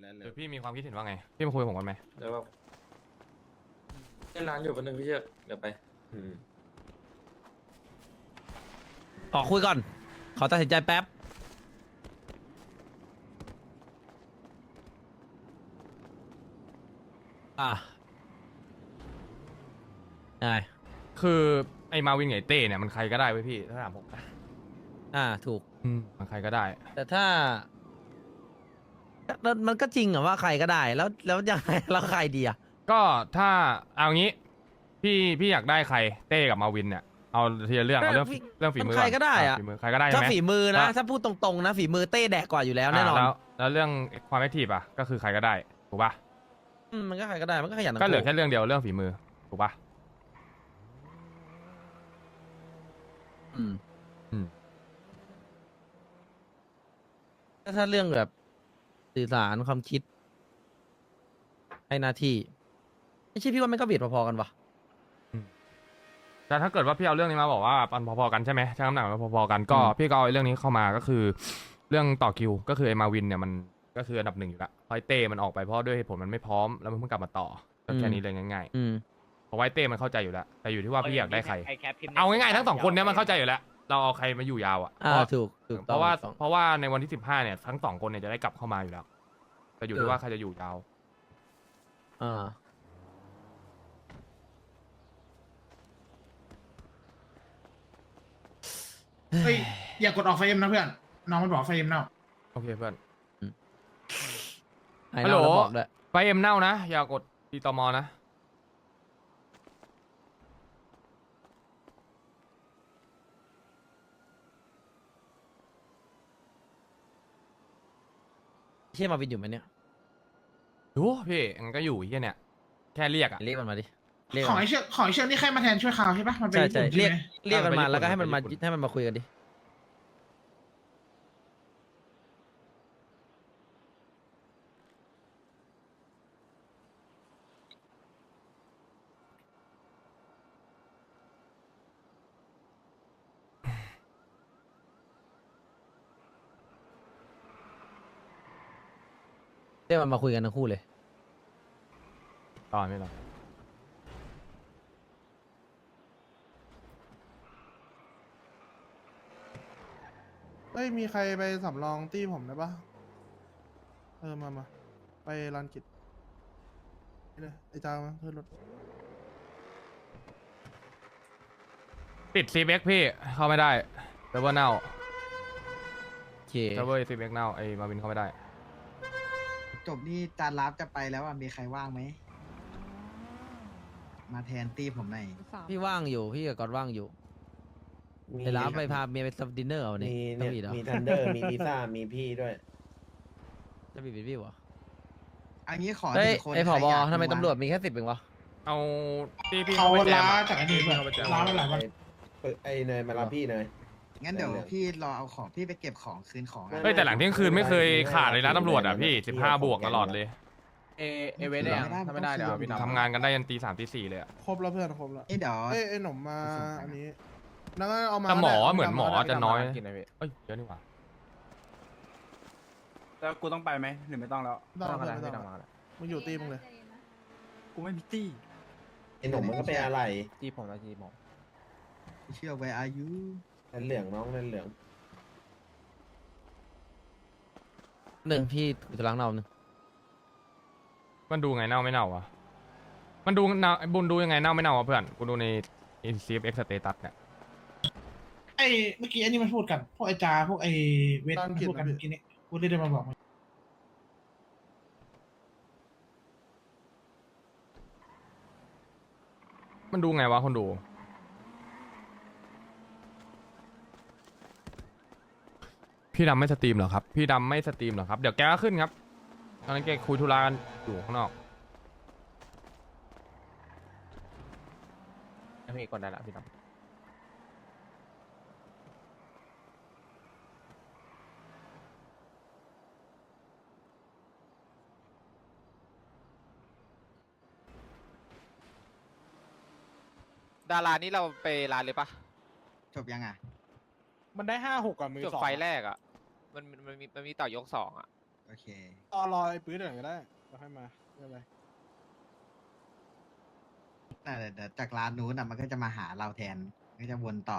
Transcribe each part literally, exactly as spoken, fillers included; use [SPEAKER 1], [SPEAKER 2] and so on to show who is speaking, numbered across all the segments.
[SPEAKER 1] แล้วเล
[SPEAKER 2] หรื
[SPEAKER 1] ย
[SPEAKER 2] อพี่มีความคิดเห็นว่าไงพี่มาคุยกับผมกันไหม
[SPEAKER 3] แล้วก็เล่นร้านอยู่วันหนึ่งพี่เชือกเดี๋ยวไป
[SPEAKER 1] อืม
[SPEAKER 4] ขอคุยก่อน ขอตัดสินใจแป๊บ อ่ะได้
[SPEAKER 2] คือไอ้มาวินไงเต้เนี่ยมันใครก็ได้เว้ยพี่ถ้าถามผมนะ
[SPEAKER 4] อ่า ถูก
[SPEAKER 2] อืมมันใครก็ได้
[SPEAKER 4] แต่ถ้าแล้วมันก็จริงเหรอว่าใครก็ได้ แล้วแล้วยังไงแล้วใครดีอ่ะ
[SPEAKER 2] ก็ถ้าเอางี้ พี่พี่อยากได้ใครเต้กับมาวินเนี่ยเอาทีละเรื่องเอาเรื่อง
[SPEAKER 4] พี่
[SPEAKER 2] เรื่องฝีมือ
[SPEAKER 4] มันใครก็ได้อะ
[SPEAKER 2] ฝีมือใครก็ได้ใช่
[SPEAKER 4] ถ้า
[SPEAKER 2] ไหม
[SPEAKER 4] ฝีมือนะ
[SPEAKER 2] ว่า
[SPEAKER 4] ถ้าพูดตรงๆนะ ฝีมือเต้แดกกว่าอยู่แล้วแน่นอน
[SPEAKER 2] แล้วแล้วเรื่องความแอคทีฟอ่ะก็คือใครก็ได้ถูกป่ะ
[SPEAKER 4] อืมมันก็ใครก็ได้ มันก็ขยันทั้ง
[SPEAKER 2] ก็เหลือ
[SPEAKER 4] คู่
[SPEAKER 2] แค่เรื่องเดียวเรื่องฝีมือถูกป่ะ
[SPEAKER 4] อืม
[SPEAKER 2] อืม
[SPEAKER 4] ถ้าถ้าเรื่องแบบสื่อสารความคิด ให้หน้าที่ ไม่ใช่พี่ว่ามันก็เบียดพอๆกันวะ
[SPEAKER 2] แต่ถ้าเกิดว่าพี่เอาเรื่องนี้มาบอกว่าปันพอๆกันใช่ไหมช่างน้ำหนักมันพอๆกันก็
[SPEAKER 4] อืม
[SPEAKER 2] พี่ก็เอาเรื่องนี้เข้ามาก็คือ เรื่องต่อคิวก็คือไอ้มาวินเนี่ยมันก็คืออันดับหนึ่งอยู่แล้วเพราะไอ้เต้มันออกไปเพราะด้วยเหตุผลมันไม่พร้อมแล้วมันเพิ่งกลับมาต่อก็แค่นี้เลยง่าย
[SPEAKER 4] อืม
[SPEAKER 2] ๆเพราะว่าไอ้เต้มันเข้าใจอยู่แล้วแต่อยู่ที่ว่าพี่อยากได้ใคร
[SPEAKER 5] ไอ้แคปพิมพ์ใน
[SPEAKER 2] เอาง่ายๆทั้งสองคนเนี้ยมันเข้าใจอยู่แล้วเราเอาใครมาอยู่ยาวอ่ะ
[SPEAKER 4] อ่า
[SPEAKER 2] เพราะ
[SPEAKER 4] ถูก ถูก
[SPEAKER 2] เพ
[SPEAKER 4] ต้อง
[SPEAKER 2] ราะว่า
[SPEAKER 4] ถูกต้อง
[SPEAKER 2] เพราะว่าในวันที่สิบห้าเนี่ยทั้งสองคนเนี่ยจะได้กลับเข้ามาอยู่แล้วแต่อยู่ที่ว่าใครจะอยู่ยาว
[SPEAKER 4] อ่า
[SPEAKER 6] เฮ้ยอย่ากดออกไฟเอ็มนะเพื่อนน้องมันบอกไฟเอ็มเน่า
[SPEAKER 2] โอเคเพื่อน
[SPEAKER 4] ไอ้
[SPEAKER 2] ฮัลโหล
[SPEAKER 4] เราบอกด้วย
[SPEAKER 2] ไปเอ็มเน่านะอย่ากดตีตอมอนะ
[SPEAKER 4] เชี่ยมาวินอยู่ไหมเนี่ย
[SPEAKER 2] ดูพี่มันก็อยู่เฮียเนี่ยแค่เรียกอ่ะ
[SPEAKER 4] เรียกมันมาดิเรียก
[SPEAKER 6] ของ
[SPEAKER 4] มัน
[SPEAKER 6] ไอเชือกของไอเชือกนี่ใครมาแทนช่วยข่าวใช่ปะมันเป็น
[SPEAKER 4] ใช่
[SPEAKER 6] ญี่
[SPEAKER 4] ใช่
[SPEAKER 6] ปุ่น
[SPEAKER 4] เรียก
[SPEAKER 6] ใช่ไหม
[SPEAKER 4] เรียกมันมา
[SPEAKER 2] ไปญี่ปุ่น
[SPEAKER 4] แล้วก็ให้มันมา
[SPEAKER 2] ไปญี่ปุ่น
[SPEAKER 4] ให้มันมาคุยกันดิ เรียกมันมาคุยกันทั้งคู่เลย
[SPEAKER 2] ตอนไม่หรอก
[SPEAKER 7] เอ้ยมีใครไปสำรองตี้ผมได้ปะเออมามาไปลานกิจนี่เลยไอ้จ้ามาขึ้นรถ
[SPEAKER 2] ติดซีเบ็กพี่เข้าไม่ได้เซิร์ฟเวอร์เน่า
[SPEAKER 4] โอเค
[SPEAKER 2] เซิร์ฟเวอร์ซีเบ็กเน่าไอ้มาวินเข้าไม่ได้
[SPEAKER 8] จบนี่จานรับจะไปแล้วอ่ะมีใครว่างไหม มาแทนตีผมหน่อย
[SPEAKER 4] พี่ว่างอยู่ พี่กับกอดว่างอยู่
[SPEAKER 1] มี
[SPEAKER 4] เดี๋ยวรับไปพาเมียไปซับดินเนอร์เอาเนี่ย
[SPEAKER 1] มี
[SPEAKER 4] ต้อ
[SPEAKER 1] เนี่ย
[SPEAKER 4] งมีเหรอ
[SPEAKER 1] มีทันเดอร์ มีพิซซ่า มีพี่ด้วย
[SPEAKER 4] จะบีบพี่วะ
[SPEAKER 8] อันนี้ขอ
[SPEAKER 4] เฮ้ย
[SPEAKER 8] หนึ่งคน
[SPEAKER 4] ไอผ
[SPEAKER 8] ใคร
[SPEAKER 4] บ
[SPEAKER 8] อยาก
[SPEAKER 4] ทำไม
[SPEAKER 8] ดู
[SPEAKER 4] ตำรวจมีแค่สิบเองวะ
[SPEAKER 2] เอาพี่พี่
[SPEAKER 6] เขา
[SPEAKER 2] เข้าไปแจ
[SPEAKER 6] ล้าม
[SPEAKER 2] อะ
[SPEAKER 6] จากอันนี้เพื่อน
[SPEAKER 2] เข้าไปแจม
[SPEAKER 6] ล้ามาหลายวัน
[SPEAKER 1] ไอ้ไอ้เนยมารับพี่เนย
[SPEAKER 8] งั้นเดี๋ยว
[SPEAKER 1] ได้เลย
[SPEAKER 8] พี่รอเอาของพี่ไปเก็บของคืนของอะ
[SPEAKER 2] เฮ้ยแต่หลังเที่ยงคืนไม่เคยขาดเลยนะตำรวจอ่ะพี่สิบห้าบวกตลอดเลย
[SPEAKER 5] เอเอเวนเนี่ยถ้าไม่ได้เดี๋ยวเอาพี่ดำ
[SPEAKER 2] ทำงานกันได้ยันตีสามตีสี่เลยอะ
[SPEAKER 7] ครบแล้วเพื่อนครบแล้ว
[SPEAKER 8] เอ้ยเดี๋ยว
[SPEAKER 7] เอ้ยไอ้หนุ่มมาอันนี้นั่นก็เอามา
[SPEAKER 2] แต่หมอ
[SPEAKER 7] ก็ได้
[SPEAKER 2] เหมือนหมอ
[SPEAKER 7] เาา
[SPEAKER 2] จะน้อย
[SPEAKER 5] กินอะไรพี่
[SPEAKER 2] เอ้ยเยอะนี่หว่า
[SPEAKER 5] แล้วกูต้องไปไหมหรือไม่ต้องแล้ว
[SPEAKER 7] ไม่ต้อง
[SPEAKER 5] ก็
[SPEAKER 7] ไม่
[SPEAKER 5] ได้
[SPEAKER 7] ต้อง
[SPEAKER 5] พี่ดำมาแล้ว
[SPEAKER 7] มึงอยู่ตีมึงเลย
[SPEAKER 5] กูไม่มีตี้
[SPEAKER 1] ไอ้หนุ่มมันก็เป็นอะไร
[SPEAKER 5] ตี้ผมนะตี้ผม
[SPEAKER 8] เชื่อไว้อายุ
[SPEAKER 1] นั่นเหลืองน้องนั่นเหลือง
[SPEAKER 4] หนึ่งพี่จะล้างเนาหนึ่ง
[SPEAKER 2] มันดูไงเน่าไม่เน่าวะมันดูเน่าบุญดูยังไงเน่าไม่เน่าวะเพื่อนกูดูใน ซี เอฟ เอ็กซ์ status เนี่ย
[SPEAKER 6] ไอเมื่อกี้อันนี้มันพูดกันพวกไอจาพวกไอเวทมันพูดกันเมื่อกี้นี้กูเลยได้มาบอก
[SPEAKER 2] มันดูไงวะคนดู พี่ดำไม่สตรีมเหรอครับ พี่ดำไม่สตรีมเหรอครับ เดี๋ยวแกก็ขึ้นครับ ตอนนั้นแกคุยธุระกันอยู่ข้างนอก
[SPEAKER 5] พี่กดได้ละพี่ดำ
[SPEAKER 9] ดารานี่เราไปร้านเลยปะ
[SPEAKER 8] จบยังอ่ะ
[SPEAKER 5] มันได้ห้าหกกับมือ
[SPEAKER 9] จบ
[SPEAKER 5] สอง
[SPEAKER 9] ไฟล์แรกอ่ะ มันมันมีมันมีต่อยกสองอ่ะ
[SPEAKER 8] โอโอเค
[SPEAKER 7] รอรอไอ้ปื้ดหน่อยก็ได้แล้วค่อยมาไม่เป็นไร
[SPEAKER 8] แต่เดี๋ยวจากร้านนู้นอ่ะมันก็จะมาหาเราแทนมันก็จะวนต่อ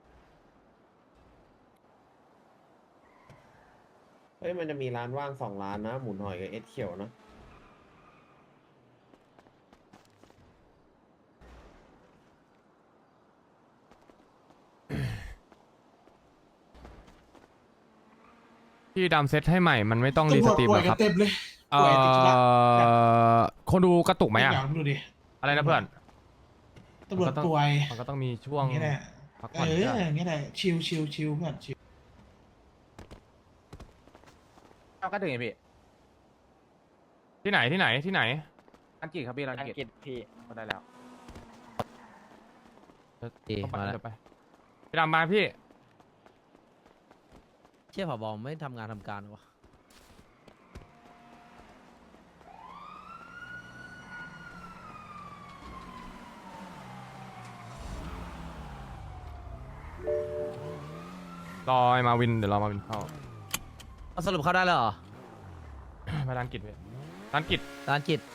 [SPEAKER 1] เฮ้ยมันจะมีร้านว่างสองร้านนะ หมุนหอยกับเอสเขียวนะ
[SPEAKER 2] พี่ดำเซตให้ใหม่มันไม่ต้องรีสตรีม
[SPEAKER 6] ป่
[SPEAKER 2] ห
[SPEAKER 6] ว
[SPEAKER 2] ร
[SPEAKER 6] ย
[SPEAKER 2] อ
[SPEAKER 6] กั
[SPEAKER 2] คน รับ
[SPEAKER 6] เต็มเลย
[SPEAKER 2] เอ่
[SPEAKER 6] ป่วยติดเชื้อ
[SPEAKER 2] อคนดูกระตุกไหมอะ
[SPEAKER 6] เดี๋ยวดูดิ
[SPEAKER 2] อะไรนะเพื่อน
[SPEAKER 6] ตำรวจป่วย
[SPEAKER 2] มันก็ต้องมีช่ว
[SPEAKER 6] อง ย่างนี้แหละ
[SPEAKER 2] พัก
[SPEAKER 6] เอ
[SPEAKER 2] ผ่อน
[SPEAKER 6] อ
[SPEAKER 2] ด้วย
[SPEAKER 6] อย่างนี้แหละชิลชิลชิลเพื่อนชิล
[SPEAKER 5] เอาก็ถึงไงพี่
[SPEAKER 2] ที่ไหนที่ไหนที่ไหน
[SPEAKER 5] ร้านกิจครับพี่ร้านกิจพี่ก็ได้แล้ว
[SPEAKER 4] เอ๊ะ
[SPEAKER 2] เข้าไป
[SPEAKER 4] มาแล้ว
[SPEAKER 2] เดี๋ยวไปพี่ดำมาพี่
[SPEAKER 4] เชี่ยผบไม่ทำงานทำการวะ
[SPEAKER 2] รอไอ้มาวินเดี๋ยวรอมาวินเข้า
[SPEAKER 4] เอาสรุปเข้าได้แล้วเหรอ
[SPEAKER 2] ไปร้านกิจพี่ร้านกิจ
[SPEAKER 4] ร้านกิจ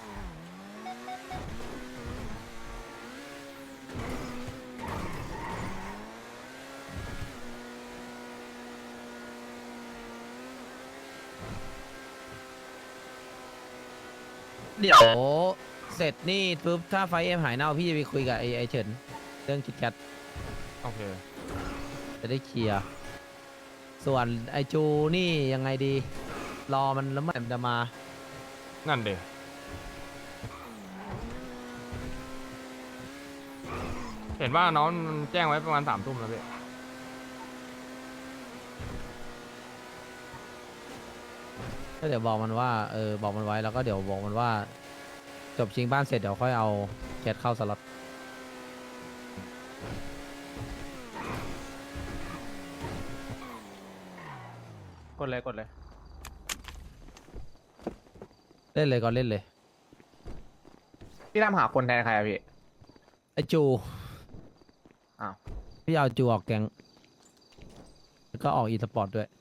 [SPEAKER 4] เดี๋ยวเสร็จนี่ปุ๊บถ้าไฟเอ็มหายเน่าพี่จะไปคุยกับไอ้ไอ้เฉินเรื่องคิดแคท
[SPEAKER 2] โอเค
[SPEAKER 4] จะได้เคลียร์ส่วนไอจูนี่ยังไงดี รอมันแล้วมันจะมา
[SPEAKER 2] นั่นเดเห็นว่าน้องมันแจ้งไว้ประมาณสามทุ่มแล้วพี่
[SPEAKER 4] ก็เดี๋ยวบอกมันว่าเออบอกมันไว้แล้วก็เดี๋ยวบอกมันว่า จบชิงบ้านเสร็จเดี๋ยวค่อยเอาแคทเข้าสล็อต
[SPEAKER 5] กดเลยกดเลย
[SPEAKER 4] เล่นเลยก่อนเล่นเลย
[SPEAKER 5] พี่ตามหาคนแทนใครอะพี่
[SPEAKER 4] ไอจู
[SPEAKER 5] อ้าว
[SPEAKER 4] พี่เอาจูออกแกงแล้วก็ออกอีสปอร์ตด้วย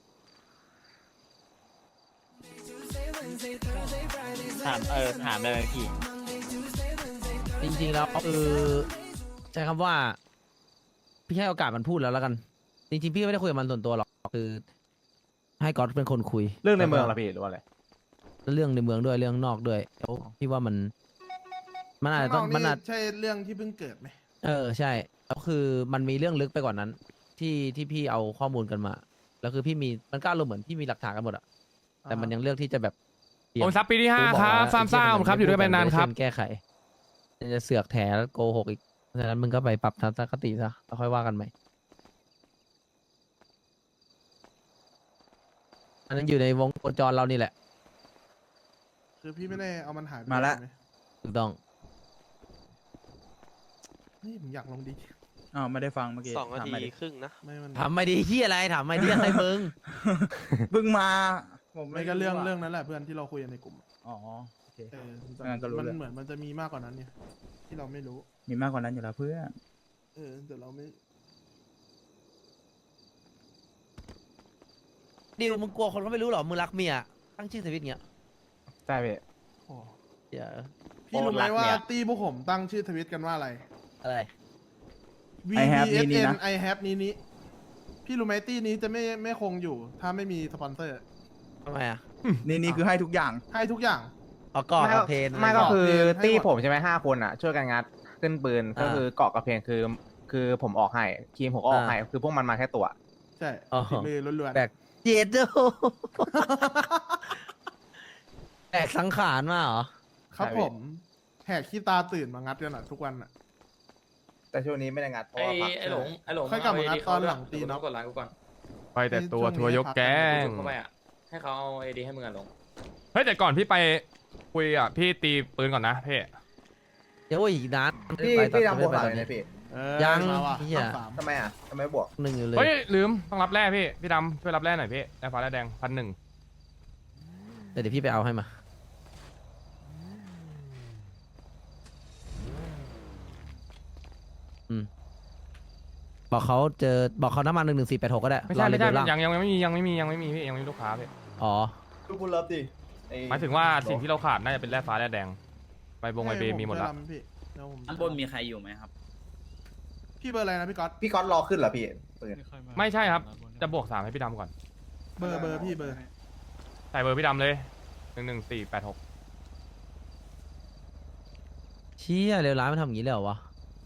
[SPEAKER 5] ถามเออถามได้ไหมพี่
[SPEAKER 4] จริงๆแล้วคือใช้คำว่า พี่ให้โอกาสมันพูดแล้วแล้วกัน จริงๆ พี่ไม่ได้คุยกับมันส่วนตัวหรอกคือ ให้ก๊อตเป็นคนคุย
[SPEAKER 5] เรื่องในเมืองเหรอพี่หรือว่าอะไร
[SPEAKER 4] เรื่องในเมืองด้วยเรื่องนอกด้วยแล้วพี่ว่ามันมันอาจจะต้อง
[SPEAKER 7] ข้างน
[SPEAKER 4] มัน
[SPEAKER 7] อก
[SPEAKER 4] อาจ
[SPEAKER 7] ใช่เรื่องที่เพิ่งเกิดไหม
[SPEAKER 4] เออใช่แล้วคือมันมีเรื่องลึกไปกว่านั้น ที่ที่พี่เอาข้อมูลกันมาแล้วคือพี่มีมันก็อารมณ์เหมือนพี่มีหลักฐานกันหมดอะแต่มันยังเลือกที่จะแบบเปลี่ยน
[SPEAKER 2] โอ้ยซับปีที่ห้า
[SPEAKER 4] กูอก
[SPEAKER 2] ครับ
[SPEAKER 4] แล้ว
[SPEAKER 2] ฟาร์มซ่า
[SPEAKER 4] ไอ้
[SPEAKER 2] ผมครับอยู่ด้วยกันไปนานครับ
[SPEAKER 4] เช่แก้ไขจะเสือกแถแล้วโกหกอีกเพราะฉะนั้นมึงก็ไปปรับทัศนคติซะแล้วค่อยว่ากันใหม่อันนั้นอยู่ในวงโคจรเรานี่แหละ
[SPEAKER 7] คือพี่ไม่ได้เอามันหายไป
[SPEAKER 5] มาละ
[SPEAKER 7] ใช่ไห
[SPEAKER 4] ถูกต้อง
[SPEAKER 7] นี่ผมอยากลงดี
[SPEAKER 5] อ๋อไม่ได้ฟังเมื่อกี้
[SPEAKER 9] สองนา
[SPEAKER 5] ถาม
[SPEAKER 9] ที
[SPEAKER 5] ใหม่ดิ
[SPEAKER 9] ครึ่งนะ
[SPEAKER 7] ไม่มัน
[SPEAKER 4] ถามไม่ดีที่อะไรถามไม่ดีอะไรมึง
[SPEAKER 5] เพิ่งมาผม
[SPEAKER 7] ไม่ก็เรื่องเรื่องนั้นแหละเพื่อนที่เราคุยกันในกลุ่ม
[SPEAKER 5] อ๋อโอเค
[SPEAKER 7] เออ
[SPEAKER 5] งั้นก็รู้
[SPEAKER 7] มัน
[SPEAKER 5] เรื่อง
[SPEAKER 7] เหมือนมันจะมีมากกว่านั้นเนี่ยที่เราไม่รู้
[SPEAKER 5] มีมากกว่านั้นอยู่แล้วเพื่อน
[SPEAKER 7] เออแต่เราไม่
[SPEAKER 4] ดิวมึงกลัวคนเขาไม่รู้เหรอมึงรักเมียตั้งชื่อสวิตเงี้ย
[SPEAKER 5] ใช่พี่
[SPEAKER 7] โอ้
[SPEAKER 4] เดี๋ยว
[SPEAKER 7] พี่รู้ไหม
[SPEAKER 5] โอ้รัก
[SPEAKER 7] ว่า
[SPEAKER 5] เนี่ย
[SPEAKER 7] ตีพวกผมตั้งชื่อทวิตกันว่าอะไร
[SPEAKER 4] อะไร
[SPEAKER 7] V
[SPEAKER 5] I
[SPEAKER 7] B
[SPEAKER 5] have
[SPEAKER 7] S
[SPEAKER 5] นี้
[SPEAKER 7] N
[SPEAKER 5] นะ
[SPEAKER 7] I have นี้นี้พี่รู้ไหมตีนี้จะไม่ไม่คงอยู่ ถ้าไม่มีสปอนเซอร์
[SPEAKER 4] ทำไมอ่ะ
[SPEAKER 5] นี่นี่คือให้ทุกอย่าง
[SPEAKER 7] ให้ทุกอย่าง
[SPEAKER 4] เอาก่อน
[SPEAKER 5] ไม่
[SPEAKER 4] เอา
[SPEAKER 5] ก็
[SPEAKER 4] เพน
[SPEAKER 5] ไม่ก็คือ
[SPEAKER 7] ให้หมด
[SPEAKER 5] ตี้ผมใช่ไหมห้าคนอ่ะ ช่วยกันงัดขึ้นปืนก็
[SPEAKER 4] อ่า
[SPEAKER 5] คือเกาะกับเพลงคือ คือผมออกให้ทีมผมก็ออก
[SPEAKER 4] อ่า
[SPEAKER 5] ให้คือพวกมันมาแค่ตัว
[SPEAKER 7] ใช่
[SPEAKER 4] อ๋อ
[SPEAKER 7] ฝีมือล้วนๆ
[SPEAKER 4] แบกเจ็ดโดแบกสังขารมาเหรอ
[SPEAKER 7] ครับ
[SPEAKER 5] ใช่
[SPEAKER 7] ผ
[SPEAKER 5] พี่
[SPEAKER 7] มแหกขี้ตาตื่นมางัดกันอ่ะทุกวันอ่ะ
[SPEAKER 5] แต่ช่วงนี้ไม่ได้งัดเพราะ
[SPEAKER 3] ไอ้
[SPEAKER 5] ว่าพัก
[SPEAKER 3] ไอ้หลงไอ้หลง
[SPEAKER 7] ค่อยกลับมางัดตอนหลังตี
[SPEAKER 3] เนาะ
[SPEAKER 7] เนาะ
[SPEAKER 3] กดไลน์กูก่อน
[SPEAKER 2] ไปแต่ตัวทัวร์ยกแก๊ง
[SPEAKER 3] เข้าไปอ่ะให้เขาเอาไอดีให้มึงอ่ะหลง
[SPEAKER 2] เฮ้ยแต่ก่อนพี่ไปคุยอ่ะพี่ตีปืนก่อนนะพี่
[SPEAKER 4] เดี๋ยวอีกนาน
[SPEAKER 5] พี่
[SPEAKER 4] ไป
[SPEAKER 5] พี่
[SPEAKER 4] ตอน
[SPEAKER 5] ทำบวก
[SPEAKER 4] ไป
[SPEAKER 5] หา
[SPEAKER 4] ต
[SPEAKER 5] เล
[SPEAKER 4] อน
[SPEAKER 5] ย
[SPEAKER 4] นี้
[SPEAKER 5] นะพี่
[SPEAKER 7] เออ
[SPEAKER 4] ยัง
[SPEAKER 7] มาว่ะ
[SPEAKER 4] เหี้ย
[SPEAKER 7] ต้องสาม
[SPEAKER 5] ทำไมอ่ะทำไมบวก
[SPEAKER 4] หนึ่งอยู่เลย
[SPEAKER 2] เฮ้ยลืมต้องรับแร่พี่พี่ดำช่วยรับแร่หน่อยพี่แร่ฟ้าแร่แดงพันหนึ่ง
[SPEAKER 4] แต่เดี๋ยวพี่ไปเอาให้มาอืมบอกเขาเจอบอกเขาน้ำมันหนึ่งหนึ่งสี่แปดหกก็ได้
[SPEAKER 2] ไม่ใช่
[SPEAKER 4] รอ
[SPEAKER 2] ไม่ใช่
[SPEAKER 4] เดี๋ยวล่าง
[SPEAKER 2] ยังยังไม่มียังไม่มียังไม่มีพี่ยังไม่มีลูกค้าพี่
[SPEAKER 4] อ๋อ
[SPEAKER 5] ลูกบุญรับดิ
[SPEAKER 2] หมายถึงว่าสิ่งที่เราขาดน่าจะเป็นแร่ฟ้าแร่แดงใบบงใบเบมีหมดละ
[SPEAKER 7] ผช่วยรำพี่เดี๋ยวผม
[SPEAKER 10] ด้านบนมีใครอยู่ไหมครับ
[SPEAKER 7] พี่เบอร์อะไรนะพี่ก๊อต
[SPEAKER 5] พี่ก๊อตรอขึ้นเหรอพี่ปืน
[SPEAKER 2] ไม่ใช่ครับ จะบวกสามให้พี่ดำก่อน
[SPEAKER 7] เบอร์เบอร์พี่เบอร์
[SPEAKER 2] ใส่เบอร์พี่ดำเลยหนึ่งหนึ่งสี่แปดหก
[SPEAKER 4] เชี่ยเร็วร้ายมันทำอย่างนี้เลยเหรอวะ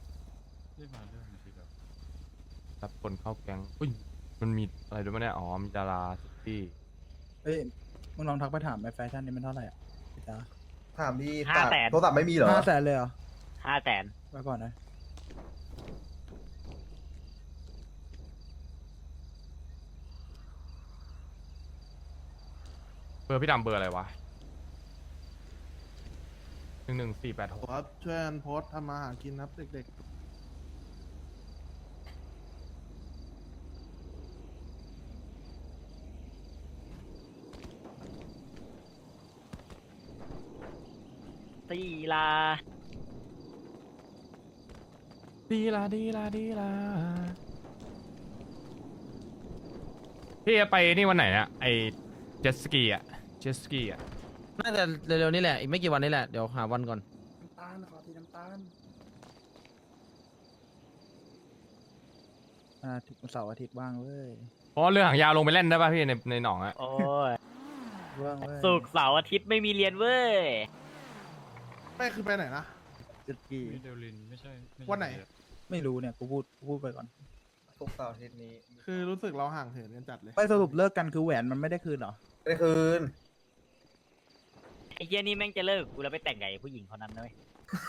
[SPEAKER 2] รับคนเข้าแก๊งอุ้ยมันมีอะไรด้วยมั้ยเนี่ยอ๋อมีดาราที่
[SPEAKER 10] เฮ้ย มึงลองทักไปถามไอ้แฟชั่นนี่มันเท่าไหร่อ่ะพี่จ๊ะ
[SPEAKER 5] ถามดี
[SPEAKER 11] ห้าแสน
[SPEAKER 5] โทรศัพท์ไม่มีเหรอ
[SPEAKER 10] ห้าแสนเลยเหรอ
[SPEAKER 11] ห้าแสน
[SPEAKER 10] ไว้ก่อนนะ
[SPEAKER 2] เบอร์พี่ดำเบอร์อะไรวะหนึ่งหนึ่งสี่แปดหก
[SPEAKER 7] ครับช่วยกันโพสต์ทำมาหากินครับเด็ก
[SPEAKER 11] ตีลา
[SPEAKER 2] ดีละดีละดีละพี่จะไปนี่วันไหนเนี่ยไอเจ็ตสกีอะเจ็ตสกีอะ
[SPEAKER 4] น่าจะเร็วๆนี้แหละ อีกไม่กี่วันนี้แหละ เดี๋ยวหาวันก่อน
[SPEAKER 10] น้ำตาลขอทีน้ำตาลอ่าทิตย์เสาร์อาทิตย์ว่างเว้ย
[SPEAKER 2] เพราะเรือหางยาวลงไปเล่นได้ป่ะพี่ในในหนองอะ
[SPEAKER 11] โอ้ย
[SPEAKER 10] ว่างเว้ย
[SPEAKER 11] ศุกร์เสาร์อาทิตย์ไม่มีเรียนเว้ย
[SPEAKER 7] ๆไปคือไปไหนนะ
[SPEAKER 10] เจ็ดกี่
[SPEAKER 7] วันไหน
[SPEAKER 10] ไม่รู้เนี่ย กูพูดกูพูดไปก่อน
[SPEAKER 5] ทุกเสาร์อาทิตย์นี้
[SPEAKER 7] คือรู้สึกเราห่างเหินกันจัดเลย
[SPEAKER 10] ไปสรุปเลิกกันคือแหวนมันไม่ได้คืนเหรอ
[SPEAKER 5] ได้คืน
[SPEAKER 11] ไอ้เหี้ยนี่แม่งจะเลิกกูแล้วไปแต่งไงผู้หญิงคนนั้นเลย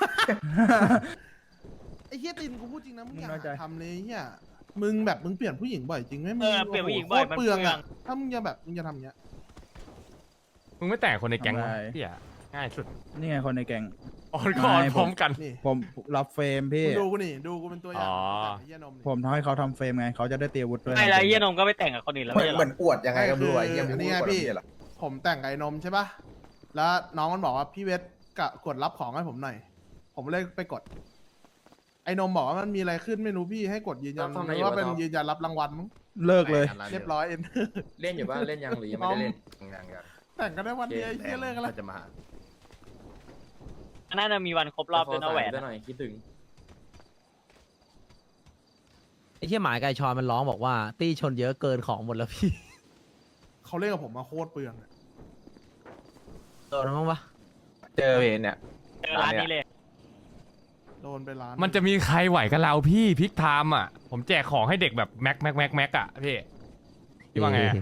[SPEAKER 7] ไอ้เฮียตินกูพูดจริงนะมึงอยาก
[SPEAKER 10] มึงน้อยใจ
[SPEAKER 7] ทำเลยเฮียมึงแบบมึงเปลี่ยนผู้หญิงบ่อยจริงไหมมึ
[SPEAKER 11] เออเปลี่ยนผู้หญิงบ่อย
[SPEAKER 7] โคตรเปลือง
[SPEAKER 11] มันเปลือ
[SPEAKER 7] อะ
[SPEAKER 11] ง
[SPEAKER 7] ถ้ามึงจะแบบมึงจะทำอย่างเงี้ย
[SPEAKER 2] มึงไม่แต่งคนในแก๊งวะ
[SPEAKER 10] ทำไม
[SPEAKER 2] พี่อะง่ายสุด
[SPEAKER 10] นี่ไงคนในแก๊ง
[SPEAKER 2] ออนก่อน
[SPEAKER 10] ไม่
[SPEAKER 2] พร้อมกัน
[SPEAKER 7] นี่
[SPEAKER 10] ผมรับเฟรมพี่
[SPEAKER 7] มึงดูกูนี่ดูกูเป็นตัวอย่าง
[SPEAKER 2] อ๋อ
[SPEAKER 7] แต่ไอ้เฮียนมนี่
[SPEAKER 10] ผมทำให้เขาทำเฟรมไง เขาจะได้เตรียมอาวุธด้วย
[SPEAKER 11] ไม่แล้วไอ้เหี้ยนมก็ไปแต่งกับคนอื่นแล้ว
[SPEAKER 5] เหมื
[SPEAKER 11] ไม่
[SPEAKER 5] อน
[SPEAKER 11] ใช่เหร
[SPEAKER 5] เหมื
[SPEAKER 11] อ
[SPEAKER 5] อนอวดยังไงก็ไม่รู้ไอ้เหี้ย
[SPEAKER 7] อั
[SPEAKER 5] ไม่
[SPEAKER 7] น
[SPEAKER 5] รู้
[SPEAKER 7] นี้ไง
[SPEAKER 5] ว่า
[SPEAKER 7] พี่
[SPEAKER 5] พี่หรอ
[SPEAKER 7] ผมแต่งกับไอ้นมใช่ปะแล้วน้องมันบอกว่าพี่เวทกะกดรับของให้ผมหน่อย ผมเลยไปกด ไอ้นมบอกว่ามันมีอะไรขึ้นไม่รู้พี่ให้กดยืนยัน
[SPEAKER 3] แล้วทำไม
[SPEAKER 7] หรือว่า
[SPEAKER 3] อยู่วะ
[SPEAKER 7] เป็น
[SPEAKER 3] ท็อป
[SPEAKER 7] ยืนยันรับรางวัลมั้ง
[SPEAKER 10] เลิกเลย
[SPEAKER 7] เรียบร้อยเอ็น
[SPEAKER 3] เล่นอยู่บ้านเล่นยังหรือยังไม่ได้เล่น
[SPEAKER 5] ยังยัง
[SPEAKER 7] แต่งกันได้วันเดียวไอ้เฮียเลิกกันแล้ว
[SPEAKER 5] จะมาหา
[SPEAKER 11] น่าจะมีวันครบรอบด้วยนะแหวน
[SPEAKER 3] จะหน่อยคิดถึง
[SPEAKER 4] ไอ้เชี่ยหมายไก่ชอนมันร้องบอกว่า ตี้ชนเยอะเกินของหมดแล้วพี่
[SPEAKER 7] เขาเล่นกับผมมาโคตรเปลืองอะ
[SPEAKER 4] โดนมั้งปะ
[SPEAKER 5] เจอเห็นเนี่ย
[SPEAKER 11] เจอร้านนี้เลย
[SPEAKER 7] โดนไปล้าน
[SPEAKER 2] มันจะมีใครไหวกับเราพี่พิกไทม์อะผมแจกของให้เด็กแบบแม็กแม็กแม็กแม็กอะพี่พี่ว่าไงอะ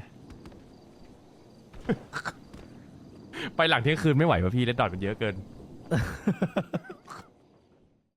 [SPEAKER 2] ไปหลังเที่ยงคืนไม่ไหวป่ะพี่เลดดอทมันเยอะเกิน